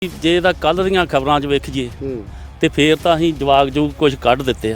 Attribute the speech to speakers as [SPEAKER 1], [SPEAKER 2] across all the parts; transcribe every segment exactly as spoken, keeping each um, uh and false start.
[SPEAKER 1] ਜੇ ਤਾਂ ਕੱਲ੍ਹ ਦੀਆਂ ਖਬਰਾਂ 'ਚ ਵੇਖੀਏ ਤੇ ਫੇਰ ਤਾਂ ਅਸੀਂ ਜਵਾਕ ਜੂਕ ਕੁਝ ਕੱਢ ਦਿੱਤੇ ਆ।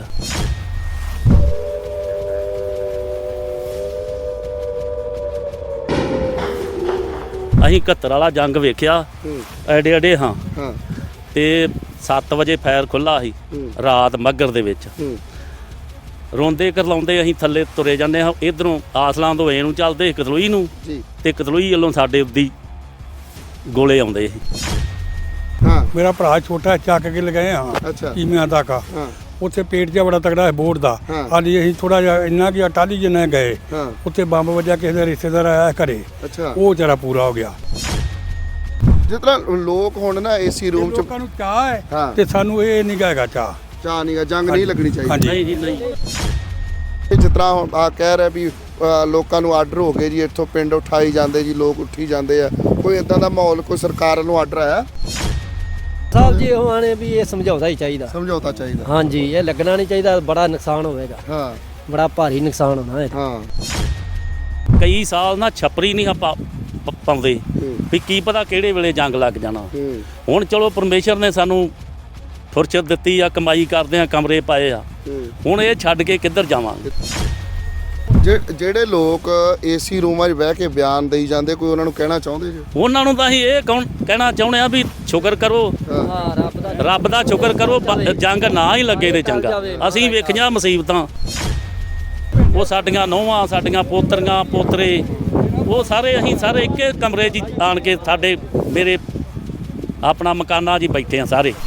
[SPEAKER 1] ਅਸੀਂ ਇਕਹੱਤਰ ਵਾਲਾ ਜੰਗ ਵੇਖਿਆ ਐਡੇ ਐਡੇ ਹਾਂ ਤੇ ਸੱਤ ਵਜੇ ਫਾਇਰ ਖੁੱਲ੍ਹਾ ਸੀ ਰਾਤ ਮੱਘਰ ਦੇ ਵਿੱਚ। ਰੋਂਦੇ ਕਰਲਾਉਂਦੇ ਅਸੀਂ ਥੱਲੇ ਤੁਰੇ ਜਾਂਦੇ ਹਾਂ, ਇੱਧਰੋਂ ਆਸਲਾਂ ਤੋਂ ਏ ਨੂੰ ਚੱਲਦੇ ਕਤਲੋਈ ਨੂੰ ਤੇ ਕਤਲੋਈ ਵੱਲੋਂ ਸਾਡੇ ਉੱਦੀ ਗੋਲੇ ਆਉਂਦੇ ਸੀ।
[SPEAKER 2] ਮੇਰਾ ਭਰਾ ਛੋਟਾ ਚੱਕ ਕੇ ਲਗਾਏ ਹਾਂ ਕੀਮਿਆਂ ਤੱਕ ਉੱਥੇ ਪੇਟ ਜਿਹਾ ਬੜਾ ਤਗੜਾ ਹੈ ਬੋਰਡ ਦਾ। ਹਾਲੀ ਅਸੀਂ ਥੋੜਾ ਜਿਹਾ ਇੰਨਾ ਕਿ ਟਾਲੀ ਜਿੰਨਾ ਗਏ ਉੱਥੇ ਬੰਬ ਵੱਜਿਆ, ਕਿਸੇ ਦਾ ਰਿਸ਼ਤੇਦਾਰ ਆਇਆ ਘਰੇ, ਉਹ ਵਿਚਾਰਾ ਪੂਰਾ ਹੋ ਗਿਆ।
[SPEAKER 3] ਜਿਸ ਤਰ੍ਹਾਂ ਲੋਕ ਹੁਣ ਨਾ ਏਸੀ ਰੂਮ ਚ
[SPEAKER 2] ਲੋਕਾਂ ਨੂੰ ਚਾਹ ਹੈ ਤੇ ਸਾਨੂੰ ਇਹ ਨਹੀਂ ਹੈਗਾ ਚਾਹ
[SPEAKER 3] ਚਾਹ ਨਹੀਂ ਜੰਗ ਨਹੀਂ ਲੱਗਣੀ ਚਾਹੀਦੀ।
[SPEAKER 1] ਨਹੀਂ ਜੀ ਨਹੀਂ।
[SPEAKER 3] ਜਿਸ ਤਰ੍ਹਾਂ ਆ ਕਹਿ ਰਿਹਾ ਵੀ ਲੋਕਾਂ ਨੂੰ ਆਰਡਰ ਹੋ ਗਏ ਜੀ, ਇੱਥੋਂ ਪਿੰਡ ਉਠਾਈ ਜਾਂਦੇ ਜੀ, ਲੋਕ ਉੱਠੀ ਜਾਂਦੇ ਆ, ਕੋਈ ਇਦਾਂ ਦਾ ਮਾਹੌਲ ਕੋਈ ਸਰਕਾਰ ਵੱਲੋਂ ਆਰਡਰ ਆਇਆ?
[SPEAKER 4] ਸਾਹਿਬ ਜੀ ਉਹ ਆਣੇ ਵੀ ਇਹ ਸਮਝਾਉਣਾ ਹੀ ਚਾਹੀਦਾ,
[SPEAKER 3] ਸਮਝੌਤਾ ਚਾਹੀਦਾ।
[SPEAKER 4] ਹਾਂਜੀ, ਇਹ ਲੱਗਣਾ ਨਹੀਂ ਚਾਹੀਦਾ, ਬੜਾ ਨੁਕਸਾਨ ਹੋਵੇਗਾ। ਹਾਂ, ਬੜਾ ਭਾਰੀ ਨੁਕਸਾਨ ਹੋਣਾ ਹੈ।
[SPEAKER 3] ਹਾਂ,
[SPEAKER 1] ਕਈ ਸਾਲ ਨਾ ਛੱਪਰੀ ਨਹੀਂ ਆਪਾਂ ਪਾਉਂਦੇ ਵੀ ਕੀ ਪਤਾ ਕਿਹੜੇ ਵੇਲੇ ਜੰਗ ਲੱਗ ਜਾਣਾ। ਹੁਣ ਚਲੋ ਪਰਮੇਸ਼ਰ ਨੇ ਸਾਨੂੰ ਫੁਰਸਤ ਦਿੱਤੀ ਆ, ਕਮਾਈ ਕਰਦੇ ਆ, ਕਮਰੇ ਪਾਏ ਆ, ਹੁਣ ਇਹ ਛੱਡ ਕੇ ਕਿੱਧਰ ਜਾਵਾਂਗੇ?
[SPEAKER 3] ਜਿਹੜੇ ਲੋਕ ਏਸੀ ਰੂਮਾਂ 'ਚ ਬਹਿ ਕੇ ਬਿਆਨ ਦੇਈ ਜਾਂਦੇ, ਕੋਈ ਉਹਨਾਂ ਨੂੰ ਕਹਿਣਾ ਚਾਹੁੰਦੇ ਜੀ?
[SPEAKER 1] ਉਹਨਾਂ ਨੂੰ ਤਾਂ ਅਸੀਂ ਇਹ ਕੌਣ ਕਹਿਣਾ ਚਾਹੁੰਦੇ ਆ ਵੀ ਸ਼ੁਕਰ ਕਰੋ, ਰੱਬ ਦਾ ਸ਼ੁਕਰ ਕਰੋ, ਜੰਗ ਨਾ ਹੀ ਲੱਗੇ ਨੇ ਚੰਗਾ। ਅਸੀਂ ਵੇਖੀਆਂ ਮੁਸੀਬਤਾਂ, ਉਹ ਸਾਡੀਆਂ ਨੂੰਹਾਂ, ਸਾਡੀਆਂ ਪੋਤਰੀਆਂ ਪੋਤਰੇ, ਉਹ ਸਾਰੇ ਅਸੀਂ ਸਾਰੇ ਇੱਕੇ ਕਮਰੇ 'ਚ ਆਣ ਕੇ ਸਾਡੇ ਮੇਰੇ ਆਪਣਾ ਮਕਾਨਾਂ 'ਚ ਹੀ ਬੈਠੇ ਆ ਸਾਰੇ।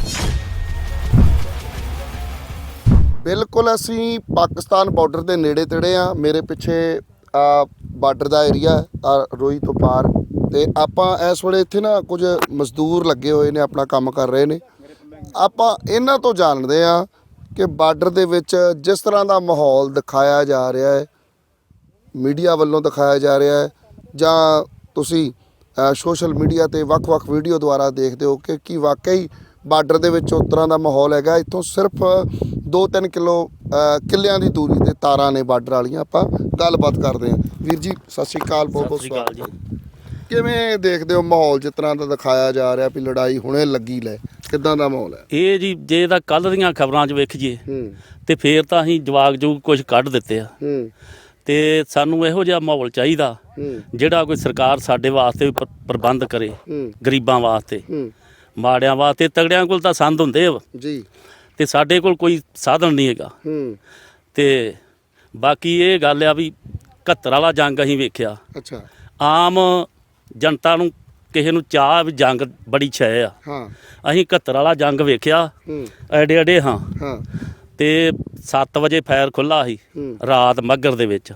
[SPEAKER 3] ਬਿਲਕੁਲ ਅਸੀਂ ਪਾਕਿਸਤਾਨ ਬਾਰਡਰ ਦੇ ਨੇੜੇ ਤੇੜੇ ਆ। ਮੇਰੇ ਪਿੱਛੇ ਆ ਬਾਰਡਰ ਦਾ ਏਰੀਆ ਆ ਰੋਈ ਤੋਂ ਪਾਰ, ਤੇ ਆਪਾਂ ਇਸ ਵੇਲੇ ਇੱਥੇ ਨਾ ਕੁਝ ਮਜ਼ਦੂਰ ਲੱਗੇ ਹੋਏ ਨੇ, ਆਪਣਾ ਕੰਮ ਕਰ ਰਹੇ ਨੇ। ਆਪਾਂ ਇਹਨਾਂ ਤੋਂ ਜਾਣਦੇ ਆ ਕਿ ਬਾਰਡਰ ਦੇ ਵਿੱਚ ਜਿਸ ਤਰ੍ਹਾਂ ਦਾ ਮਾਹੌਲ ਦਿਖਾਇਆ ਜਾ ਰਿਹਾ ਹੈ, ਮੀਡੀਆ ਵੱਲੋਂ ਦਿਖਾਇਆ ਜਾ ਰਿਹਾ ਹੈ, ਜਾਂ ਤੁਸੀਂ ਸੋਸ਼ਲ ਮੀਡੀਆ 'ਤੇ ਵੱਖ-ਵੱਖ ਵੀਡੀਓ ਦੁਆਰਾ ਦੇਖਦੇ ਹੋ ਕਿ ਕੀ ਵਾਕਈ ਬਾਰਡਰ ਦੇ ਵਿੱਚ ਉਸ ਤਰ੍ਹਾਂ ਦਾ ਮਾਹੌਲ ਹੈਗਾ। ਇੱਥੋਂ ਸਿਰਫ ਦੋ ਤਿੰਨ ਕਿਲੋ ਕਿੱਲਿਆਂ ਦੀ ਦੂਰੀ 'ਤੇ ਤਾਰਾਂ ਨੇ ਬਾਰਡਰ ਵਾਲੀਆਂ। ਆਪਾਂ ਗੱਲਬਾਤ ਕਰਦੇ ਹਾਂ। ਵੀਰ ਜੀ ਸਤਿ ਸ਼੍ਰੀ ਅਕਾਲ, ਬਹੁਤ ਬਹੁਤ ਸਵਾਗਤ ਜੀ। ਕਿਵੇਂ ਦੇਖਦੇ ਹੋ ਮਾਹੌਲ ਜਿਸ ਤਰ੍ਹਾਂ ਦਾ ਦਿਖਾਇਆ ਜਾ ਰਿਹਾ ਵੀ ਲੜਾਈ ਹੁਣੇ ਲੱਗੀ ਲੈ, ਕਿੱਦਾਂ ਦਾ ਮਾਹੌਲ ਹੈ
[SPEAKER 1] ਇਹ ਜੀ? ਜੇ ਤਾਂ ਕੱਲ੍ਹ ਦੀਆਂ ਖਬਰਾਂ 'ਚ ਵੇਖੀਏ ਤੇ ਫੇਰ ਤਾਂ ਅਸੀਂ ਜਵਾਕ ਜੂਕ ਕੁਝ ਕੱਢ ਦਿੱਤੇ ਆ। ਤੇ ਸਾਨੂੰ ਇਹੋ ਜਿਹਾ ਮਾਹੌਲ ਚਾਹੀਦਾ ਜਿਹੜਾ ਕੋਈ ਸਰਕਾਰ ਸਾਡੇ ਵਾਸਤੇ ਪ੍ਰਬੰਧ ਕਰੇ, ਗਰੀਬਾਂ ਵਾਸਤੇ, ਮਾੜਿਆਂ ਵਾਸਤੇ। ਤਗੜਿਆਂ ਕੋਲ ਤਾਂ ਸੰਦ ਹੁੰਦੇ ਆ ਜੀ, ਤੇ ਸਾਡੇ ਕੋਲ ਕੋਈ ਸਾਧਨ ਨਹੀਂ ਹੈਗਾ। ਤੇ ਬਾਕੀ ਇਹ ਗੱਲ ਆ ਵੀ ਇਕਹੱਤਰ ਵਾਲਾ ਜੰਗ ਅਸੀਂ ਵੇਖਿਆ। ਅੱਛਾ, ਆਮ ਜਨਤਾ ਨੂੰ ਕਿਸੇ ਨੂੰ ਚਾਹ ਵੀ ਜੰਗ ਬੜੀ ਛੈ ਆ। ਅਸੀਂ ਇਕਹੱਤਰ ਵਾਲਾ ਜੰਗ ਵੇਖਿਆ ਐਡੇ ਐਡੇ ਹਾਂ ਤੇ ਸੱਤ ਵਜੇ ਫਾਇਰ ਖੁੱਲ੍ਹਾ ਸੀ ਰਾਤ ਮੱਘਰ ਦੇ ਵਿੱਚ।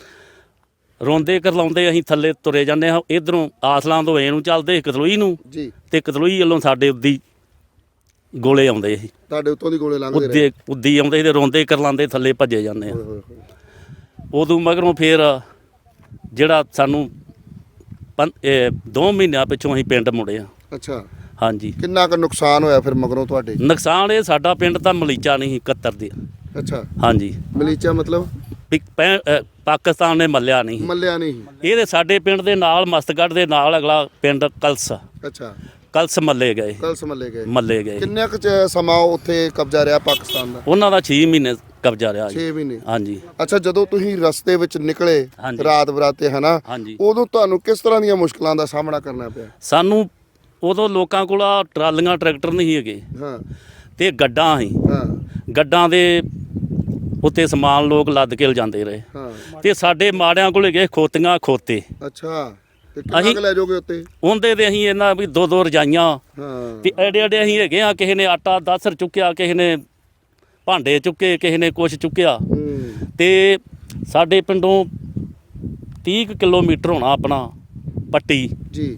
[SPEAKER 1] ਰੋਂਦੇ ਕਰਲਾਉਂਦੇ ਅਸੀਂ ਥੱਲੇ ਤੁਰੇ ਜਾਂਦੇ ਹਾਂ, ਇੱਧਰੋਂ ਆਸਲਾਂ ਤੋਂ ਏ ਨੂੰ ਚੱਲਦੇ ਕਤਲੋਈ ਨੂੰ ਤੇ ਕਤਲੋਈ ਵੱਲੋਂ ਸਾਡੇ ਉੱਦੀ ਗੋਲੇ ਆਉਂਦੇ ਸੀ। ਤੁਹਾਡੇ ਉੱਤੋਂ ਦੀ ਗੋਲੇ ਲੰਘਦੇ ਰਹੇ? ਉੱਦੀ ਆਉਂਦੇ ਸੀ ਤੇ ਰੋਂਦੇ ਕਰਲਾਉਂਦੇ ਥੱਲੇ ਭੱਜੇ ਜਾਂਦੇ ਆ। ਉਦੋਂ ਮਗਰੋਂ ਫਿਰ ਜਿਹੜਾ ਸਾਨੂੰ ਪੰ ਦੋ ਮਹੀਨਿਆਂ ਪਿੱਛੋਂ ਅਸੀਂ ਪਿੰਡ ਮੁੜੇ ਆ। ਅੱਛਾ, ਹਾਂਜੀ। ਕਿੰਨਾ ਕੁ ਨੁਕਸਾਨ ਹੋਇਆ ਫਿਰ ਮਗਰੋਂ ਤੁਹਾਡੇ? ਨੁਕਸਾਨ ਇਹ ਸਾਡਾ ਪਿੰਡ ਤਾਂ ਮਲੀਚਾ ਨਹੀਂ ਸੀ ਇਕਹੱਤਰ ਦੇ। ਅੱਛਾ, ਹਾਂਜੀ। ਮਲੀਚਾ ਮਤਲਬ ਪਾਕਿਸਤਾਨ ਨੇ ਮੱਲਿਆ ਨਹੀਂ ਮੱਲਿਆ ਨਹੀਂ ਇਹਦੇ ਸਾਡੇ ਪਿੰਡ ਦੇ ਨਾਲ ਮਸਤਗੜ੍ਹ ਦੇ ਨਾਲ ਅਗਲਾ ਪਿੰਡ ਕਲਸ। ਅੱਛਾ, ਕਲਸ ਮੱਲੇ ਗਏ। ਕਲਸ ਮੱਲੇ ਗਏ ਮੱਲੇ ਗਏ ਕਿੰਨਾ ਕੁ ਸਮਾਂ ਉੱਥੇ ਕਬਜ਼ਾ ਰਿਹਾ ਪਾਕਿਸਤਾਨ ਦਾ? ਉਹਨਾਂ ਦਾ ਛੇ ਮਹੀਨੇ ਕਬਜ਼ਾ ਰਿਹਾ। ਛੇ ਮਹੀਨੇ, ਹਾਂਜੀ। ਅੱਛਾ, ਜਦੋਂ ਤੁਸੀਂ ਰਸਤੇ ਵਿੱਚ ਨਿਕਲੇ ਰਾਤ ਬਰਾਤੇ ਹਨਾ, ਉਦੋਂ ਤੁਹਾਨੂੰ ਕਿਸ ਤਰ੍ਹਾਂ ਦੀਆਂ ਮੁਸ਼ਕਲਾਂ ਦਾ ਸਾਹਮਣਾ ਕਰਨਾ ਪਿਆ? ਸਾਨੂੰ ਉਦੋਂ ਲੋਕਾਂ ਕੋਲ ਟਰਾਲੀਆਂ ਟਰੈਕਟਰ ਨਹੀਂ ਹੈਗੇ ਤੇ ਗੱਡਾਂ ਸੀ। ਗੱਡਾਂ ਦੇ ਉੱਤੇ ਸਮਾਨ ਲੋਕ ਲੱਦ ਕੇ ਲਿਜਾਂਦੇ ਰਹੇ ਤੇ ਸਾਡੇ ਮਾੜਿਆਂ ਕੋਲ ਗਏ ਖੋਤੀਆਂ ਖੋਤੇ। ਅੱਛਾ, ਅਸੀਂ ਲੈ ਜਾਓਗੇ ਉੱਤੇ? ਉਹਦੇ ਤੇ ਅਸੀਂ ਇਹਨਾਂ ਵੀ ਦੋ ਦੋ ਰਜਾਈਆਂ ਤੇ ਐਡੇ ਐਡੇ ਅਸੀਂ ਹੈਗੇ ਆ। ਕਿਸੇ ਨੇ ਆਟਾ ਦਸ ਚੁੱਕਿਆ, ਕਿਸੇ ਨੇ ਭਾਂਡੇ ਚੁੱਕੇ, ਕਿਸੇ ਨੇ ਕੁਛ ਚੁੱਕਿਆ। ਤੇ ਸਾਡੇ ਪਿੰਡੋਂ ਤੀਹ ਕੁ ਕਿਲੋਮੀਟਰ ਹੋਣਾ ਆਪਣਾ ਪੱਟੀ ਜੀ।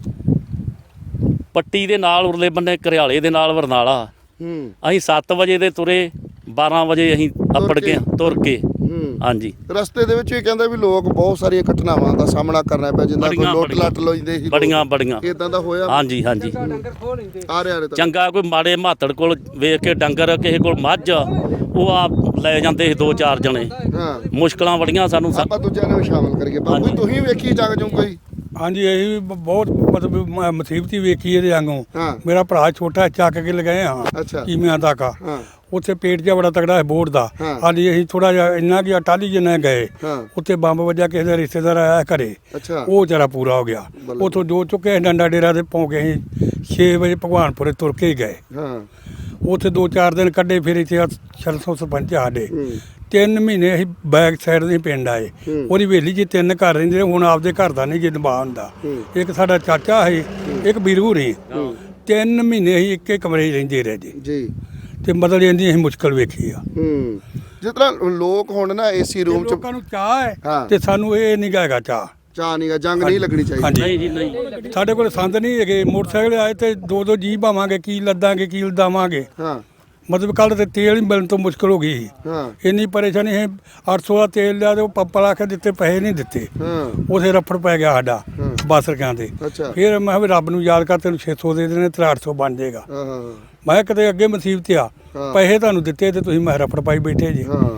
[SPEAKER 1] ਪੱਟੀ ਦੇ ਨਾਲ ਉਰਲੇ ਬੰਨੇ ਘਰਿਆਲੇ ਦੇ ਨਾਲ ਬਰਨਾਲਾ। ਅਸੀਂ ਸੱਤ ਵਜੇ ਦੇ ਤੁਰੇ, ਬਾਰਾਂ ਵਜੇ ਅਸੀਂ ਅੱਪੜ ਗਏ ਤੁਰ ਕੇ। ਹਾਂਜੀ, ਰਸਤੇ ਦੇ ਵਿੱਚ ਇਹ ਕਹਿੰਦਾ ਵੀ ਲੋਕ ਬਹੁਤ ਸਾਰੀਆਂ ਘਟਨਾਵਾਂ ਦਾ ਸਾਹਮਣਾ ਕਰਨਾ ਪਿਆ, ਜਿੱਦਾਂ ਕੋਈ ਲੁੱਟ ਲੱਟ ਲੈਂਦੇ ਸੀ, ਬੜੀਆਂ ਬੜੀਆਂ ਇਦਾਂ ਦਾ ਹੋਇਆ। ਹਾਂਜੀ ਹਾਂਜੀ, ਆ ਰਿਹਾ ਚੰਗਾ। ਕੋਈ ਮਾੜੇ ਮਾਤੜ ਕੋਲ ਵੇਖ ਕੇ ਡੰਗਰ, ਕਿਸੇ ਕੋਲ ਮੱਝ, ਉਹ ਆ ਲੈ ਜਾਂਦੇ ਸੀ ਦੋ ਚਾਰ ਜਣੇ। ਮੁਸ਼ਕਲਾਂ ਬੜੀਆਂ ਸਾਨੂੰ। ਆਪਾਂ ਦੂਜਿਆਂ ਨੂੰ ਸ਼ਾਮਲ ਕਰੀਏ। ਬਾਪੂ ਤੁਸੀਂ ਵੇਖੀ ਜੰਗ ਜੂ ਕੋਈ?
[SPEAKER 2] ਹਾਂਜੀ ਇਹ ਵੀ ਬ- ਬਹੁਤ ਮਤਲਬ ਮ- ਮੁਸੀਬਤ ਹੀ ਵੇਖੀ ਇਹਦੇ ਵਾਂਗੂ
[SPEAKER 3] ਹਾਂ।
[SPEAKER 2] ਮੇਰਾ ਭਰਾ ਛੋਟਾ ਚੱਕ ਕੇ ਲਗਾਏ ਹਾਂ
[SPEAKER 3] ਅੱਛਾ।
[SPEAKER 2] ਕੀਮਿਆਂ ਤੱਕ
[SPEAKER 3] ਹਾਂ
[SPEAKER 2] ਉੱਥੇ ਪੇਟ ਜਿਹਾ ਬੜਾ ਤਗੜਾ ਹੈ ਬੋਰਡ ਦਾ
[SPEAKER 3] ਹਾਂ।
[SPEAKER 2] ਹਾਂਜੀ ਅਸੀਂ ਥੋੜਾ ਜਿਹਾ ਇੰਨਾ ਕਿ ਟਾਲੀ ਜਿੰਨਾ ਗਏ
[SPEAKER 3] ਹਾਂ
[SPEAKER 2] ਉੱਥੇ ਬੰਬ ਵੱਜਿਆ ਕਿਸੇ ਦਾ ਰਿਸ਼ਤੇਦਾਰ ਆਇਆ ਘਰੇ
[SPEAKER 3] ਅੱਛਾ
[SPEAKER 2] ਉਹ ਵਿਚਾਰਾ ਪੂਰਾ ਹੋ ਗਿਆ
[SPEAKER 3] ਬੱਲੇ।
[SPEAKER 2] ਉੱਥੋਂ ਜੋ ਚੁੱਕੇ ਡੰਡਾ ਡੇਰਾ ਦੇ ਪਹੁੰਚ ਕੇ ਅਸੀਂ ਛੇ ਵਜੇ ਭਗਵਾਨਪੁਰੇ ਤੁਰ ਕੇ ਹੀ ਗਏ
[SPEAKER 3] ਹਾਂ
[SPEAKER 2] ਉੱਥੇ ਦੋ ਚਾਰ ਦਿਨ ਕੱਢੇ ਫਿਰ ਇੱਥੇ ਸਰਸੋਂ ਸਰਪੰਚ ਆ ਸਾਡੇ
[SPEAKER 3] ਹੂੰ
[SPEAKER 2] ਤਿੰਨ ਮਹੀਨੇ ਅਸੀਂ ਬੈਕ ਸਾਈਡ ਦੇ ਪਿੰਡ ਆਏ
[SPEAKER 3] ਹੂੰ।
[SPEAKER 2] ਉਹਦੀ ਹਵੇਲੀ 'ਚ ਤਿੰਨ ਘਰ ਰਹਿੰਦੇ ਨੇ, ਹੁਣ ਆਪਦੇ ਘਰ ਦਾ ਨਹੀਂ ਜੇ ਨਿਭਾ ਹੁੰਦਾ
[SPEAKER 3] ਹੂੰ।
[SPEAKER 2] ਇੱਕ ਸਾਡਾ ਚਾਚਾ ਸੀ ਇੱਕ ਵੀਰੂ ਨਹੀਂ ਤਿੰਨ ਮਹੀਨੇ ਅਸੀਂ ਇੱਕੇ ਕਮਰੇ 'ਚ ਰਹਿੰਦੇ ਰਹੇ ਜੀ
[SPEAKER 3] ਜੀ
[SPEAKER 2] ਤੇ ਮਤਲਬ ਇਹਦੀ ਅਸੀਂ ਮੁਸ਼ਕਲ ਵੇਖੀ ਆ
[SPEAKER 3] ਹੂੰ ਜਿਸ ਤਰ੍ਹਾਂ ਲੋਕ ਹੁਣ ਨਾ ਏਸੀ ਰੂਮ ਚ
[SPEAKER 2] ਲੋਕਾਂ ਨੂੰ ਚਾਹ ਹੈ
[SPEAKER 3] ਹਾਂ।
[SPEAKER 2] ਤੇ ਸਾਨੂੰ ਇਹ ਨਹੀਂ ਹੈਗਾ ਚਾਹ
[SPEAKER 3] ਚਾਹ ਨਹੀਂ ਗਾ ਜੰਗ ਨਹੀਂ ਲੱਗਣੀ ਚਾਹੀਦੀ
[SPEAKER 2] ਹਾਂਜੀ
[SPEAKER 1] ਨਹੀਂ ਜੀ ਨਹੀਂ
[SPEAKER 2] ਸਾਡੇ ਕੋਲ ਸੰਦ ਨਹੀਂ ਹੈਗੇ ਮੋਟਰਸਾਈਕਲ ਆਏ ਤੇ ਦੋ ਦੋ ਜੀ ਭਾਵਾਂਗੇ ਕੀ ਲੱਦਾਂਗੇ ਕੀ ਲਦਾਵਾਂਗੇ
[SPEAKER 3] ਹਾਂ
[SPEAKER 2] ਮਤਲਬ ਕੱਲ ਤੇ ਤੇਲ ਹੀ ਮਿਲਣ ਤੋਂ ਮੁਸ਼ਕਲ ਹੋ ਗਈ ਸੀ।
[SPEAKER 3] ਹਾਂ
[SPEAKER 2] ਇੰਨੀ ਪਰੇਸ਼ਾਨੀ ਹੈ ਅੱਠ ਸੌ ਦਾ ਤੇਲ ਲਿਆ ਤੇ ਉਹ ਪੰਪ ਲਾ ਕੇ ਦਿੱਤੇ ਪੈਸੇ ਨਹੀਂ ਦਿੱਤੇ
[SPEAKER 3] ਹਾਂ
[SPEAKER 2] ਉਥੇ ਰਫੜ ਪੈ ਗਿਆ ਸਾਡਾ
[SPEAKER 3] ਹਾਂ।
[SPEAKER 2] ਬੱਸ ਰਕਾਂ ਤੇ
[SPEAKER 3] ਅੱਛਾ
[SPEAKER 2] ਫਿਰ ਮੈਂ ਕਿਹਾ ਵੀ ਰੱਬ ਨੂੰ ਯਾਦ ਕਰ ਤੈਨੂੰ ਛੇ ਸੌ ਦੇ ਦੇਣੇ ਤੇ ਅੱਠ ਸੌ ਬਣ ਜਾਏਗਾ
[SPEAKER 3] ਹਾਂ ਹਾਂ
[SPEAKER 2] ਮੈਂ ਕਿਹਾ ਕਿਤੇ ਅੱਗੇ ਮੁਸੀਬਤ ਆ
[SPEAKER 3] ਹਾਂ।
[SPEAKER 2] ਪੈਸੇ ਤੁਹਾਨੂੰ ਦਿੱਤੇ ਤੇ ਤੁਸੀਂ ਮੈਂ ਰਫੜ ਪਾਈ ਬੈਠੇ ਜੀ
[SPEAKER 3] ਹਾਂ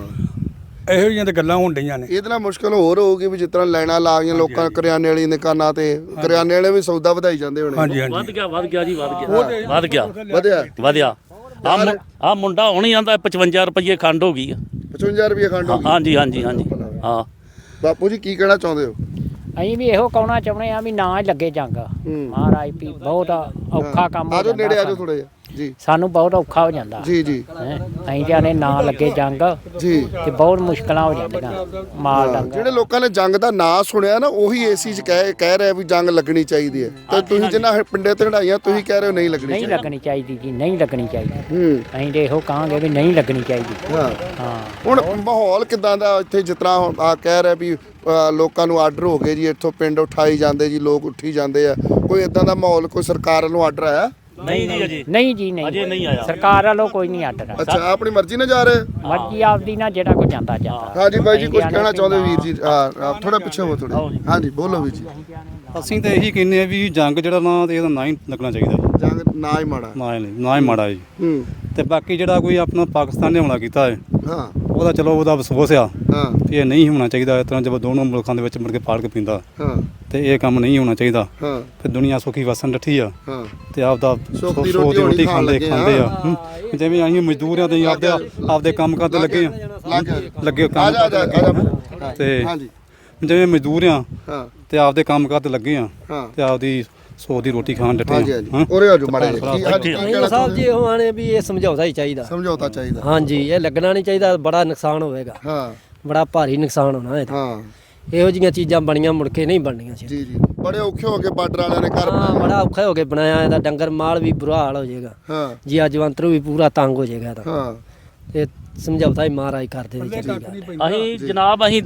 [SPEAKER 2] ਇਹੋ ਜਿਹੀਆਂ ਤੇ ਗੱਲਾਂ ਹੋਣ ਡਈਆਂ ਨੇ
[SPEAKER 3] ਇਹਦੇ ਨਾਲ ਮੁਸ਼ਕਲ ਹੋਰ ਹੋਊਗੀ ਵੀ ਜਿਸ ਤਰ੍ਹਾਂ ਲਾਈਨਾਂ ਲਾ ਗਈਆਂ ਲੋਕਾਂ ਕਰਿਆਨੇ ਵਾਲੀ ਦੁਕਾਨਾਂ ਤੇ ਕਰਿਆਨੇ ਵਾਲੇ ਵੀ ਸੌਦਾ ਵਧਾਈ ਜਾਂਦੇ ਹੋਣੇ
[SPEAKER 2] ਹਾਂਜੀ
[SPEAKER 1] ਵੱਧ
[SPEAKER 2] ਹਾਂਜੀ
[SPEAKER 1] ਗਿਆ ਵੱਧ ਗਿਆ ਜੀ ਵੱਧ ਗਿਆ ਵੱਧ ਗਿਆ
[SPEAKER 3] ਵਧਿਆ
[SPEAKER 1] ਵਧਿਆ ਆ ਆ ਮੁੰਡਾ ਹੁਣ ਹੀ ਆਂਦਾ ਪਚਵੰਜਾ ਰੁਪਏ ਖੰਡ ਹੋ ਗਈ ਆ
[SPEAKER 3] ਪਚਵੰਜਾ ਰੁਪਏ ਖੰਡ ਹੋ ਗਈ
[SPEAKER 1] ਹਾਂਜੀ ਹਾਂਜੀ ਹਾਂਜੀ ਹਾਂ
[SPEAKER 3] ਬਾਪੂ ਜੀ ਕੀ ਕਹਿਣਾ ਚਾਹੁੰਦੇ ਹੋ
[SPEAKER 5] ਅਸੀਂ ਵੀ ਇਹੋ ਕਹਿਣਾ ਚਾਹੁੰਦੇ ਆ ਵੀ ਨਾ ਹੀ ਲੱਗੇ ਜੰਗ
[SPEAKER 3] ਹੂੰ।
[SPEAKER 5] ਮਹਾਰਾਜ ਵੀ ਬਹੁਤ ਔਖਾ ਕੰਮ ਹੋ
[SPEAKER 3] ਆਜੋ ਨੇੜੇ
[SPEAKER 5] ਜਾਂਦਾ
[SPEAKER 3] ਆਜੋ ਥੋੜਾ ਜਿਹਾ ਜੀ
[SPEAKER 5] ਸਾਨੂੰ ਬਹੁਤ ਔਖਾ ਹੋ ਜਾਂਦਾ
[SPEAKER 3] ਜੀ ਜੀ
[SPEAKER 5] ਹੈਂ। ਅਸੀਂ ਜਾਨੇ ਨਾ ਲੱਗੇ ਜੰਗ
[SPEAKER 3] ਜੀ
[SPEAKER 5] ਤੇ ਬਹੁਤ ਮੁਸ਼ਕਲਾਂ ਹੋ ਜਾਂਦੀਆਂ ਮਾਲ
[SPEAKER 3] ਹਾਂ,
[SPEAKER 5] ਡੰਗਰ
[SPEAKER 3] ਜਿਹੜੇ ਲੋਕਾਂ ਨੇ ਜੰਗ ਦਾ ਨਾਂ ਸੁਣਿਆ ਨਾ ਉਹੀ ਏਸੀ ਚ ਕਹਿ ਕਹਿ ਰਿਹਾ ਵੀ ਜੰਗ ਲੱਗਣੀ ਚਾਹੀਦੀ ਹੈ ਤੇ ਤੁਸੀਂ ਜਿੰਨਾ ਪਿੰਡੇ ਤੇ ਢਾਈਆਂ ਤੁਸੀਂ ਕਹਿ ਰਹੇ ਹੋ ਨਹੀਂ ਲੱਗਣੀ
[SPEAKER 5] ਨਹੀਂ
[SPEAKER 3] ਚਾਹੀਦੀ
[SPEAKER 5] ਲੱਗਣੀ ਚਾਹੀਦੀ ਜੀ ਨਹੀਂ ਲੱਗਣੀ ਚਾਹੀਦੀ
[SPEAKER 3] ਹੂੰ
[SPEAKER 5] ਅਸੀਂ ਤੇ ਇਹੋ ਕਹਾਂਗੇ ਵੀ ਨਹੀਂ ਲੱਗਣੀ ਚਾਹੀਦੀ
[SPEAKER 3] ਹਾਂ
[SPEAKER 5] ਹਾਂ
[SPEAKER 3] ਹੁਣ ਮਾਹੌਲ ਕਿਦਾਂ ਦਾ ਇੱਥੇ ਜਿਸ ਤਰ੍ਹਾਂ ਹੁਣ ਆ ਕਹਿ ਰਿਹਾ ਵੀ ਅ, ਲੋਕਾਂ ਨੂੰ ਆਰਡਰ ਹੋ ਗਏ ਜੀ ਇੱਥੋਂ ਪਿੰਡ ਉਠਾਈ ਜਾਂਦੇ ਜੀ ਲੋਕ ਉੱਠੀ ਜਾਂਦੇ ਆ ਕੋਈ ਇਦਾਂ ਦਾ ਮਾਹੌਲ ਕੋਈ ਸਰਕਾਰ ਵੱਲੋਂ ਆਰਡਰ ਆਇਆ
[SPEAKER 1] ਨਹੀਂ ਜੀ ਅਜੇ
[SPEAKER 5] ਨਹੀਂ ਜੀ ਨਹੀਂ
[SPEAKER 1] ਅਜੇ ਨਹੀਂ ਆਇਆ
[SPEAKER 5] ਸਰਕਾਰ ਵੱਲੋਂ ਕੋਈ ਨਹੀਂ ਆਡਰ
[SPEAKER 3] ਅੱਛਾ ਆਪਣੀ ਮਰਜ਼ੀ ਨਾਲ ਜਾ ਰਹੇ
[SPEAKER 5] ਮਰਜ਼ੀ ਆਪਦੀ ਨਾ ਜਿਹੜਾ ਕੋਈ ਜਾਂਦਾ ਜਾਂਦਾ
[SPEAKER 3] ਹਾਂਜੀ ਬਾਈ ਜੀ ਕੁਝ
[SPEAKER 5] ਅਸੀਂ
[SPEAKER 3] ਕਹਿਣਾ
[SPEAKER 5] ਜਾਣੇ
[SPEAKER 3] ਚਾਹੁੰਦੇ ਵੀਰ ਜੀ ਥੋੜਾ ਪਿੱਛੇ ਹੋ ਥੋੜੇ ਹਾਂਜੀ ਬੋਲੋ ਵੀਰ ਜੀ
[SPEAKER 6] ਅਸੀਂ ਤਾਂ ਇਹੀ ਕਹਿੰਦੇ ਆ ਵੀ ਜੰਗ ਜਿਹੜਾ ਨਾ ਤੇ ਇਹਦਾ ਨਾ ਹੀ ਲੱਗਣਾ ਚਾਹੀਦਾ
[SPEAKER 3] ਜੰਗ ਨਾ ਹੀ ਮਾੜਾ
[SPEAKER 6] ਨਾ ਹੀ ਨਾ ਹੀ ਮਾੜਾ ਜੀ
[SPEAKER 3] ਹੂੰ
[SPEAKER 6] ਤੇ ਬਾਕੀ ਜਿਹੜਾ ਕੋਈ ਆਪਣਾ ਪਾਕਿਸਤਾਨ ਨੇ ਹਮਲਾ ਕੀਤਾ ਹੈ
[SPEAKER 3] ਹਾਂ
[SPEAKER 6] ਉਹਦਾ ਚਲੋ ਉਹਦਾ ਅਫਸੋਸ ਆ
[SPEAKER 3] ਹਾਂ
[SPEAKER 6] ਵੀ ਇਹ ਨਹੀਂ ਹੋਣਾ ਚਾਹੀਦਾ ਇਸ ਤਰ੍ਹਾਂ ਜਦੋਂ ਦੋਨੋਂ ਮੁਲਕਾਂ ਦੇ ਵਿੱਚ ਮੁੜ ਕੇ ਪਾੜ ਕੇ ਪੀਂਦਾ
[SPEAKER 3] ਹਾਂ
[SPEAKER 6] ਤੇ ਇਹ ਕੰਮ ਨਹੀਂ ਹੋਣਾ ਚਾਹੀਦਾ
[SPEAKER 3] ਹਾਂ
[SPEAKER 6] ਫਿਰ ਦੁਨੀਆ ਸੁਖੀ ਵਸਣ ਡੱਠੀ ਆ
[SPEAKER 3] ਹਾਂ
[SPEAKER 6] ਤੇ ਆਪਦਾ
[SPEAKER 3] ਸੁੱਖ ਦੀ
[SPEAKER 6] ਸੌ
[SPEAKER 3] ਰੋਟੀ ਹੋਣੀ ਖਾਣ
[SPEAKER 6] ਖਾਂਦੇ
[SPEAKER 3] ਲੱਗੇ
[SPEAKER 6] ਖਾਂਦੇ
[SPEAKER 3] ਆ।
[SPEAKER 6] ਆ ਹੂੰ। ਜਿਵੇਂ ਅਸੀਂ ਮਜ਼ਦੂਰ ਆ ਤੇ ਅਸੀਂ ਆਪਦੇ ਆਪਦੇ ਕੰਮ ਕਰਦੇ ਲੱਗੇ ਆ
[SPEAKER 3] ਲੱਗ ਗਿਆ
[SPEAKER 6] ਲੱਗੇ
[SPEAKER 3] ਆ
[SPEAKER 6] ਕੰਮ
[SPEAKER 3] ਜਾ ਆ ਜਾ
[SPEAKER 6] ਕਰਦੇ
[SPEAKER 3] ਆ
[SPEAKER 6] ਲੱਗੇ
[SPEAKER 3] ਜਾ
[SPEAKER 6] ਆ। ਤੇ
[SPEAKER 3] ਹਾਂਜੀ
[SPEAKER 6] ਜਿਵੇਂ ਮਜ਼ਦੂਰ ਆ
[SPEAKER 3] ਹਾਂ
[SPEAKER 6] ਤੇ ਆਪਦੇ ਕੰਮ ਕਰਦੇ ਲੱਗੇ ਆ
[SPEAKER 3] ਹਾਂ
[SPEAKER 6] ਤੇ ਆਪਦੀ ਸੌ ਦੀ ਰੋਟੀ ਖਾਣ ਡੱਠੇ
[SPEAKER 3] ਹਾਂਜੀ
[SPEAKER 6] ਆ
[SPEAKER 3] ਹਾਂਜੀ
[SPEAKER 6] ਹਾਂ।
[SPEAKER 3] ਉਰੇ ਆ ਜੋ ਮਾੜੇ ਜਿਹੇ। ਕੀ ਹਾਂਜੀ ਕੀ
[SPEAKER 4] ਨਹੀਂ
[SPEAKER 3] ਕਹਿਣਾ
[SPEAKER 4] ਸਾਹਿਬ
[SPEAKER 3] ਚਾਹੁੰਦੇ
[SPEAKER 4] ਜੀ ਉਹ ਆਣੇ ਵੀ ਇਹ ਸਮਝਾਉਣਾ ਹੀ ਚਾਹੀਦਾ
[SPEAKER 3] ਸਮਝੌਤਾ ਚਾਹੀਦਾ
[SPEAKER 4] ਹਾਂਜੀ ਇਹ ਲੱਗਣਾ ਨਹੀਂ ਚਾਹੀਦਾ ਬੜਾ ਨੁਕਸਾਨ ਹੋਵੇਗਾ
[SPEAKER 3] ਹਾਂ
[SPEAKER 4] ਬੜਾ ਭਾਰੀ ਨੁਕਸਾਨ ਹੋਣਾ ਇਹਦਾ
[SPEAKER 3] ਹਾਂ
[SPEAKER 4] ਇਹੋ ਜਿਹੀਆਂ ਚੀਜ਼ਾਂ ਬਣੀਆਂ ਮੁੜ ਕੇ ਨਹੀਂ ਬਣਨੀਆਂ ਸੀ
[SPEAKER 3] ਜੀ ਜੀ ਬੜੇ ਔਖੇ ਹੋ ਕੇ ਬਾਰਡਰ ਵਾਲਿਆਂ ਨੇ ਘਰ
[SPEAKER 4] ਹਾਂ
[SPEAKER 3] ਬਣਾਇਆ
[SPEAKER 4] ਬੜਾ ਔਖਾ ਹੋ ਕੇ ਬਣਾਇਆ ਇਹਦਾ ਡੰਗਰ ਮਾਲ ਵੀ ਬੁਰਾ ਹਾਲ ਹੋ ਜਾਏਗਾ
[SPEAKER 3] ਹਾਂ
[SPEAKER 4] ਜੀ ਜਵੰਤਰੂ ਵੀ ਪੂਰਾ ਤੰਗ ਹੋ ਜਾਏਗਾ ਇਹਦਾ
[SPEAKER 3] ਹਾਂ
[SPEAKER 4] ਤੇ ਸਮਝੌਤਾ ਹੀ ਮਹਾਰਾਜ ਕਰਦੇ ਨੇ ਚੱਲੀ ਗੱਲ
[SPEAKER 1] ਅਸੀਂ ਜਨਾਬ ਅਸੀਂ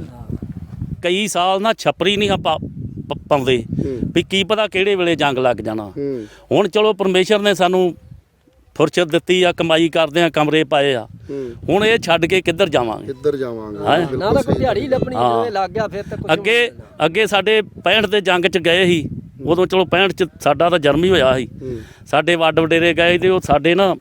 [SPEAKER 1] ਕਈ ਸਾਲ ਨਾ ਛਪਰੀ ਨਹੀਂ ਆਪਾਂ ਪ- ਪਾਉਂਦੇ
[SPEAKER 3] ਹੂੰ
[SPEAKER 1] ਵੀ ਕੀ ਪਤਾ ਕਿਹੜੇ ਵੇਲੇ ਜੰਗ ਲੱਗ ਜਾਣਾ
[SPEAKER 3] ਹੂੰ
[SPEAKER 1] ਹੁਣ ਚਲੋ ਪਰਮੇਸ਼ਰ ਨੇ ਸਾਨੂੰ ਫੁਰਸਤ ਦਿੱਤੀ ਆ ਕਮਾਈ ਕਰਦੇ ਆ ਕਮਰੇ ਪਾਏ ਆ
[SPEAKER 3] ਹੂੰ
[SPEAKER 1] ਹੁਣ ਇਹ ਛੱਡ ਕੇ ਕਿੱਧਰ ਜਾਵਾਂਗੇ
[SPEAKER 3] ਕਿੱਧਰ ਜਾਵਾਂਗੇ
[SPEAKER 1] ਹਾਂ।
[SPEAKER 3] ਬਿਲਕੁਲ
[SPEAKER 4] ਨਾ ਤਾਂ ਕੋਈ
[SPEAKER 3] ਸਹੀ।
[SPEAKER 4] ਦਿਹਾੜੀ ਲੱਭਣੀ
[SPEAKER 1] ਹਾਂ।
[SPEAKER 4] ਜਦੋਂ ਇਹ ਲੱਗ ਗਿਆ ਫਿਰ ਤਾਂ ਕੁਝ
[SPEAKER 1] ਅੱਗੇ ਅੱਗੇ ਸਾਡੇ ਪੈਂਹਠ ਦੇ ਜੰਗ 'ਚ ਗਏ ਸੀ ਉਦੋਂ ਚਲੋ ਪੈਂਹਠ 'ਚ ਸਾਡਾ ਤਾਂ ਜਨਮ ਹੀ ਹੋਇਆ ਸੀ
[SPEAKER 3] ਹੂੰ
[SPEAKER 1] ਸਾਡੇ ਵੱਡ ਵਡੇਰੇ ਗਏ ਤੇ ਉਹ ਸਾਡੇ ਨਾ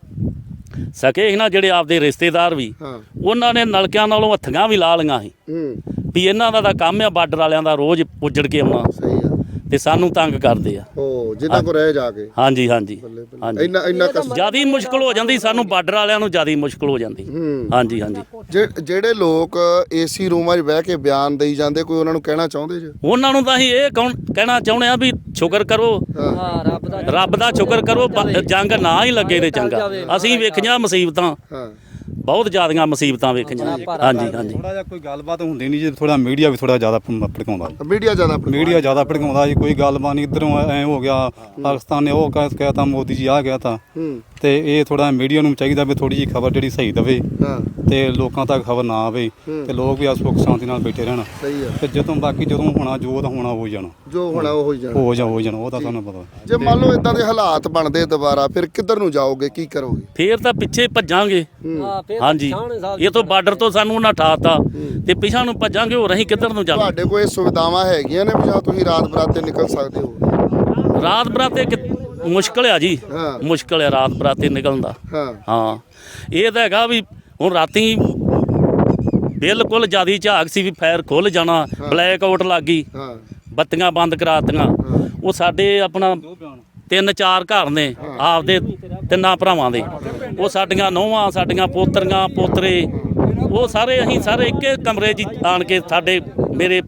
[SPEAKER 1] ਸਕੇ ਸੀ ਨਾ ਜਿਹੜੇ ਆਪਦੇ ਰਿਸ਼ਤੇਦਾਰ ਵੀ
[SPEAKER 3] ਹਾਂ
[SPEAKER 1] ਉਹਨਾਂ ਨੇ ਨਲਕਿਆਂ ਨਾਲੋਂ ਹੱਥੀਆਂ ਵੀ ਲਾ ਲਈਆਂ ਸੀ
[SPEAKER 3] ਹੂੰ
[SPEAKER 1] ਵੀ ਇਹਨਾਂ ਦਾ ਤਾਂ ਕੰਮ ਆ ਬਾਰਡਰ ਵਾਲਿਆਂ ਦਾ ਰੋਜ਼ ਉੱਜੜ ਕੇ ਆਉਣਾ
[SPEAKER 3] ਸਹੀ ਆ
[SPEAKER 1] ਤੇ ਸਾਨੂੰ ਤੰਗ ਕਰਦੇ ਆ
[SPEAKER 3] ਉਹ ਜਿੰਨਾ ਕੋ ਰਹਿ ਜਾ ਕੇ
[SPEAKER 1] ਹਾਂਜੀ ਹਾਂਜੀ
[SPEAKER 3] ਬੱਲੇ ਬੱਲੇ
[SPEAKER 1] ਹਾਂਜੀ
[SPEAKER 3] ਇੰਨਾ ਇੰਨਾ ਕਸ
[SPEAKER 1] ਜਿਆਦੀ ਮੁਸ਼ਕਲ ਹੋ ਜਾਂਦੀ ਸਾਨੂੰ ਬਾਰਡਰ ਵਾਲਿਆਂ ਨੂੰ ਜਿਆਦੀ ਮੁਸ਼ਕਲ ਹੋ ਜਾਂਦੀ
[SPEAKER 3] ਹੂੰ
[SPEAKER 1] ਹਾਂਜੀ ਹਾਂਜੀ
[SPEAKER 3] ਜੇ- ਜਿਹੜੇ ਲੋਕ ਏਸੀ ਰੂਮਾਂ 'ਚ ਬਹਿ ਕੇ ਬਿਆਨ ਦੇਈ ਜਾਂਦੇ ਕੋਈ ਉਹਨਾਂ ਨੂੰ ਕਹਿਣਾ ਚਾਹੁੰਦੇ ਜੇ
[SPEAKER 1] ਉਹਨਾਂ ਨੂੰ ਤਾਂ ਅਸੀਂ ਇਹ ਕੌਣ ਕਹਿਣਾ ਚਾਹੁੰਦੇ ਆ ਵੀ ਸ਼ੁਕਰ ਕਰੋ
[SPEAKER 4] ਹਾਂ ਰੱਬ ਦਾ
[SPEAKER 1] ਰੱਬ ਦਾ ਸ਼ੁਕਰ ਕਰੋ ਬ- ਜੰਗ ਨਾ ਹੀ ਲੱਗੇ ਤੇ ਚੰਗਾ ਅਸੀਂ ਵੇਖੀਆਂ ਮੁਸੀਬਤਾਂ
[SPEAKER 3] ਹਾਂ
[SPEAKER 1] ਬਹੁਤ ਜ਼ਿਆਦੀਆਂ ਮੁਸੀਬਤਾਂ ਵੇਖੀਆਂ ਹਾਂਜੀ ਹਾਂਜੀ
[SPEAKER 6] ਥੋੜਾ ਜਿਹਾ ਕੋਈ ਗੱਲਬਾਤ ਹੁੰਦੀ ਨਹੀਂ ਜੀ ਥੋੜਾ ਮੀਡੀਆ ਵੀ ਥੋੜਾ ਜ਼ਿਆਦਾ ਭ- ਭੜਕਾਉਂਦਾ
[SPEAKER 3] ਮੀਡੀਆ ਜ਼ਿਆਦਾ
[SPEAKER 6] ਮੀਡੀਆ ਜ਼ਿਆਦਾ ਭੜਕਾਉਂਦਾ ਜੀ ਕੋਈ ਗੱਲਬਾਤ ਨਹੀਂ ਇਧਰੋਂ ਐ ਹੋ ਗਿਆ ਪਾਕਿਸਤਾਨ ਨੇ ਉਹ ਕਹਿ- ਕਹਿਤਾ ਮੋਦੀ ਜੀ ਆ ਗਿਆ ਤਾਂ
[SPEAKER 3] ਹੂੰ
[SPEAKER 6] ਤੇ ਇਹ ਥੋੜਾ ਮੀਡੀਆ ਨੂੰ ਚਾਹੀਦਾ ਵੀ ਥੋੜੀ ਜੀ ਖਬਰ ਜਿਹੜੀ ਸਹੀ ਦਵੇ
[SPEAKER 3] ਹਾਂ
[SPEAKER 6] ਤੇ ਲੋਕਾਂ ਤੱਕ ਖਬਰ ਨਾ ਆਵੇ ਤੇ ਲੋਕ ਵੀ ਆ ਸੁੱਖ ਸ਼ਾਂਤੀ ਨਾਲ ਬੈਠੇ ਰਹਿਣ
[SPEAKER 3] ਸਹੀ ਆ
[SPEAKER 6] ਤੇ ਜਦੋਂ ਬਾਕੀ ਜਦੋਂ ਹੋਣਾ ਜੋ ਤਾਂ ਹੋਣਾ ਹੋ ਜਾਣਾ
[SPEAKER 3] ਜੋ ਹੋਣਾ ਉਹ ਹੋ ਜਾਣਾ
[SPEAKER 6] ਹੋ ਜਾ ਹੋ ਜਾਣਾ ਉਹ ਤਾਂ ਤੁਹਾਨੂੰ ਪਤਾ
[SPEAKER 3] ਜੇ ਮੰਨ ਲਓ ਇਦਾਂ ਦੇ ਹਾਲਾਤ ਬਣਦੇ ਦੁਬਾਰਾ ਫਿਰ ਕਿੱਧਰ ਨੂੰ ਜਾਓਗੇ ਕੀ ਕਰੋਗੇ
[SPEAKER 1] ਫੇਰ ਤਾਂ ਪਿੱਛੇ ਭੱਜਾਂਗੇ
[SPEAKER 4] ਹਾਂ ਫਿਰ
[SPEAKER 1] ਹਾਂਜੀ
[SPEAKER 4] ਪਛਾਣ ਸਾਹਿਬ
[SPEAKER 1] ਇਹ ਤੋਂ ਬਾਰਡਰ ਤੋਂ ਸਾਨੂੰ ਉਹਨਾਂ ਠਾਤਾ ਤੇ ਪਿਛਾਂ ਨੂੰ ਭੱਜਾਂਗੇ ਹੋਰ ਅਸੀਂ ਕਿੱਧਰ ਨੂੰ ਜਾਵਾਂਗੇ
[SPEAKER 3] ਤੁਹਾਡੇ ਕੋਲ ਇਹ ਸੁਵਿਧਾਵਾਂ ਹੈਗੀਆਂ ਨੇ ਵੀ ਜਾਂ ਤੁਸੀਂ ਰਾਤ ਬਰਾਤੇ ਨਿਕਲ ਸਕਦੇ ਹੋ
[SPEAKER 1] ਰਾਤ ਬਰਾਤੇ ਕਿ- ਮੁਸ਼ਕਲ ਆ ਜੀ
[SPEAKER 3] ਹਾਂ।
[SPEAKER 1] ਮੁਸ਼ਕਲ ਆ ਰਾਤ ਬਰਾਤੇ ਨਿਕਲਣ ਦਾ
[SPEAKER 3] ਹਾਂ
[SPEAKER 1] ਹਾਂ ਇਹ ਤਾਂ ਹੈਗਾ ਵੀ ਹੁਣ ਰਾਤੀ ਬਿਲਕੁਲ ਜਿਆਦੀ ਝਾਕ ਸੀ ਵੀ ਫਾਇਰ ਖੁੱਲ ਜਾਣਾ ਬਲੈਕ ਆਊਟ ਲੱਗ ਗਈ
[SPEAKER 3] ਹਾਂ
[SPEAKER 1] ਬੱਤੀਆਂ ਬੰਦ ਕਰਾਤੀਆਂ ਉਹ ਸਾਡੇ ਆਪਣਾ ਤਿੰਨ ਚਾਰ ਘਰ ਨੇ ਆਪਦੇ ਤਿੰਨਾਂ ਭਰਾਵਾਂ ਦੇ ਉਹ ਸਾਡੀਆਂ ਨੌਵਾਂ ਸਾਡੀਆਂ ਪੋਤਰੀਆਂ ਪੋਤਰੇ ਉਹ ਸਾਰੇ ਅਸੀਂ ਸਾਰੇ ਇੱਕੇ ਕਮਰੇ 'ਚ ਆਣ ਕੇ ਸਾਡੇ ਮੇਰੇ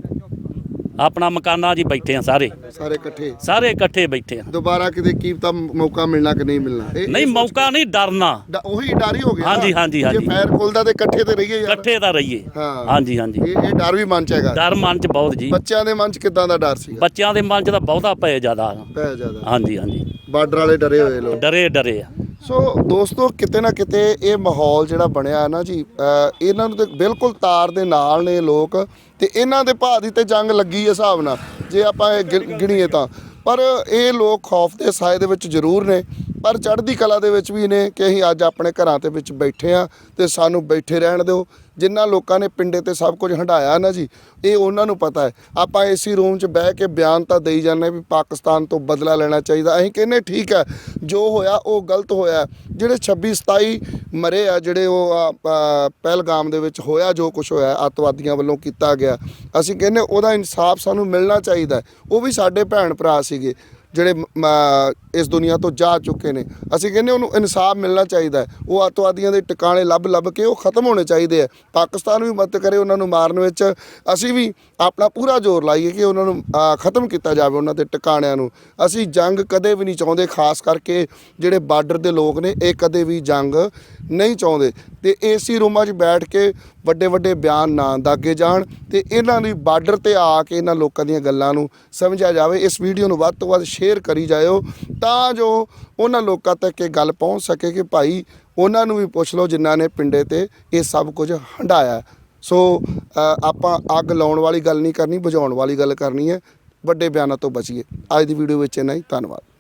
[SPEAKER 1] ਆਪਣਾ ਮਕਾਨਾਂ 'ਚ ਬੈਠੇ ਆ ਸਾਰੇ
[SPEAKER 3] ਸਾਰੇ ਇਕੱਠੇ
[SPEAKER 1] ਸਾਰੇ ਇਕੱਠੇ ਬੈਠੇ ਆ
[SPEAKER 3] ਦੁਬਾਰਾ ਕਿਤੇ ਕੀ ਤਾਂ ਮੌਕਾ ਮਿਲਣਾ ਕਿ ਨਹੀਂ ਮਿਲਣਾ ਇਹ-
[SPEAKER 1] ਨਹੀਂ ਮੌਕਾ ਨਹੀਂ ਡਰਨਾ
[SPEAKER 3] ਡ- ਉਹੀ ਡਰ ਹੀ ਹੋ ਗਿਆ
[SPEAKER 1] ਹਾਂਜੀ, ਹਾਂਜੀ,
[SPEAKER 3] ਜੇ
[SPEAKER 1] ਹਾਂਜੀ।
[SPEAKER 3] ਫਾਇਰ ਖੁੱਲਦਾ ਤੇ ਇਕੱਠੇ ਤੇ ਰਹੀਏ ਯਾਰ
[SPEAKER 1] ਇਕੱਠੇ ਤਾਂ ਰਹੀਏ
[SPEAKER 3] ਹਾਂ।
[SPEAKER 1] ਹਾਂਜੀ ਹਾਂਜੀ
[SPEAKER 3] ਇਹ ਇਹ ਡਰ ਵੀ ਮਨ ਚ ਹੈਗਾ
[SPEAKER 1] ਡਰ ਮਨ 'ਚ ਬਹੁਤ ਜੀ
[SPEAKER 3] ਬੱਚਿਆਂ ਦੇ ਮਨ ਚ ਕਿਦਾਂ ਦਾ ਡਰ ਸੀਗਾ
[SPEAKER 1] ਬੱਚਿਆਂ ਦੇ ਮਨ 'ਚ ਤਾਂ ਬਹੁਤਾ ਪਏ ਜ਼ਿਆਦਾ
[SPEAKER 3] ਪੈ ਜ਼ਿਆਦਾ
[SPEAKER 1] ਹਾਂਜੀ ਹਾਂਜੀ
[SPEAKER 3] ਬਾਰਡਰ ਵਾਲੇ ਡਰੇ ਹੋਏ ਲੋਕ
[SPEAKER 1] ਡਰੇ ਡਰੇ ਆ
[SPEAKER 3] ਸੋ ਦੋਸਤੋ ਕਿਤੇ ਨਾ ਕਿਤੇ ਇਹ ਮਾਹੌਲ ਜਿਹੜਾ ਬਣਿਆ ਹੈ ਨਾ ਜੀ ਅ, ਇਹਨਾਂ ਨੂੰ ਤੇ ਬਿਲਕੁਲ ਤਾਰ ਦੇ ਨਾਲ ਨੇ ਲੋਕ ਤੇ ਇਹਨਾਂ ਦੇ ਭਾਅ ਦੀ ਤੇ ਜੰਗ ਲੱਗੀ ਹੈ ਹਿਸਾਬ ਨਾਲ ਜੇ ਆਪਾਂ ਇਹ ਗਿ- ਗਿਣੀਏ ਤਾਂ ਪਰ ਇਹ ਲੋਕ ਖੌਫ ਦੇ ਸਾਏ ਦੇ ਵਿੱਚ ਜ਼ਰੂਰ ਨੇ ਪਰ ਚੜ੍ਹਦੀ ਕਲਾ ਦੇ ਵਿੱਚ ਵੀ ਨੇ ਕਿ ਅਸੀਂ ਅੱਜ ਆਪਣੇ ਘਰਾਂ ਦੇ ਵਿੱਚ ਬੈਠੇ ਆ ਤੇ ਸਾਨੂੰ ਬੈਠੇ ਰਹਿਣ ਦਿਓ ਜਿਨ੍ਹਾਂ ਲੋਕਾਂ ਨੇ ਪਿੰਡੇ ਤੇ ਸਭ ਕੁਝ ਹੰਢਾਇਆ ਨਾ ਜੀ ਇਹ ਉਹਨਾਂ ਨੂੰ ਪਤਾ ਹੈ ਆਪਾਂ ਏਸੀ ਰੂਮ 'ਚ ਬਹਿ ਕੇ ਬਿਆਨ ਤਾਂ ਦੇਈ ਜਾਂਦੇ ਵੀ ਪਾਕਿਸਤਾਨ ਤੋਂ ਬਦਲਾ ਲੈਣਾ ਚਾਹੀਦਾ ਅਸੀਂ ਕਹਿੰਦੇ ਠੀਕ ਹੈ ਜੋ ਹੋਇਆ ਉਹ ਗਲਤ ਹੋਇਆ ਜਿਹੜੇ ਛੱਬੀ ਸਤਾਈ ਮਰੇ ਆ ਜਿਹੜੇ ਉਹ ਆ, ਆ, ਪਹਿਲਗਾਮ ਦੇ ਵਿੱਚ ਹੋਇਆ ਜੋ ਕੁਝ ਹੋਇਆ ਅੱਤਵਾਦੀਆਂ ਵੱਲੋਂ ਕੀਤਾ ਗਿਆ ਅਸੀਂ ਕਹਿੰਦੇ ਉਹਦਾ ਇਨਸਾਫ ਸਾਨੂੰ ਮਿਲਣਾ ਚਾਹੀਦਾ ਉਹ ਵੀ ਸਾਡੇ ਭੈਣ ਭਰਾ ਸੀਗੇ ਜਿਹੜੇ ਮ- ਇਸ ਦੁਨੀਆ ਤੋਂ ਜਾ ਚੁੱਕੇ ਨੇ ਅਸੀਂ ਕਹਿੰਦੇ ਉਹਨੂੰ ਇਨਸਾਫ ਮਿਲਣਾ ਚਾਹੀਦਾ ਹੈ ਉਹ ਅੱਤਵਾਦੀਆਂ ਦੇ ਟਿਕਾਣੇ ਲੱਭ ਲੱਭ ਕੇ ਉਹ ਖਤਮ ਹੋਣੇ ਚਾਹੀਦੇ ਆ ਪਾਕਿਸਤਾਨ ਵੀ ਮਦਦ ਕਰੇ ਉਹਨਾਂ ਨੂੰ ਮਾਰਨ ਵਿੱਚ ਅਸੀਂ ਵੀ ਆਪਣਾ ਪੂਰਾ ਜ਼ੋਰ ਲਾਈਏ ਕਿ ਉਹਨਾਂ ਨੂੰ ਅ, ਖਤਮ ਕੀਤਾ ਜਾਵੇ ਉਹਨਾਂ ਦੇ ਟਿਕਾਣਿਆਂ ਨੂੰ ਅਸੀਂ ਜੰਗ ਕਦੇ ਵੀ ਨਹੀਂ ਚਾਹੁੰਦੇ ਖਾਸ ਕਰਕੇ ਜਿਹੜੇ ਬਾਰਡਰ ਦੇ ਲੋਕ ਨੇ ਇਹ ਕਦੇ ਵੀ ਜੰਗ ਨਹੀਂ ਚਾਹੁੰਦੇ ਤੇ ਏਸੀ ਰੂਮਾਂ 'ਚ ਬੈਠ ਕੇ ਵੱਡੇ ਵੱਡੇ ਬਿਆਨ ਨਾ ਦਾਗੇ ਜਾਣ ਤੇ ਇਹਨਾਂ ਦੀ ਬਾਰਡਰ ਤੇ ਆ ਕੇ ਇਹਨਾਂ ਲੋਕਾਂ ਦੀਆਂ ਗੱਲਾਂ ਨੂੰ ਸਮਝਿਆ ਜਾਵੇ ਇਸ ਵੀਡੀਓ ਨੂੰ ਵੱਧ ਤੋਂ ਵੱਧ ਸ਼ੇਅਰ ਕਰੀ ਜਾਇਓ ਤਾਂ ਜੋ ਉਹਨਾਂ ਲੋਕਾਂ ਤੱਕ ਇਹ ਗੱਲ ਪਹੁੰਚ ਸਕੇ ਕਿ ਭਾਈ ਉਹਨਾਂ ਨੂੰ ਵੀ ਪੁੱਛ ਲਓ ਜਿਨ੍ਹਾਂ ਨੇ ਪਿੰਡੇ ਤੇ ਇਹ ਸਭ ਕੁਝ ਹੰਢਾਇਆ ਸੋ ਅ, ਆਪਾਂ ਅੱਗ ਲਾਉਣ ਵਾਲੀ ਗੱਲ ਨਹੀਂ ਕਰਨੀ ਬੁਝਾਉਣ ਵਾਲੀ ਗੱਲ ਕਰਨੀ ਹੈ ਵੱਡੇ ਬਿਆਨਾਂ ਤੋਂ ਬਚੀਏ ਅੱਜ ਦੀ ਵੀਡੀਓ ਵਿੱਚ ਇੰਨਾ ਹੀ ਧੰਨਵਾਦ।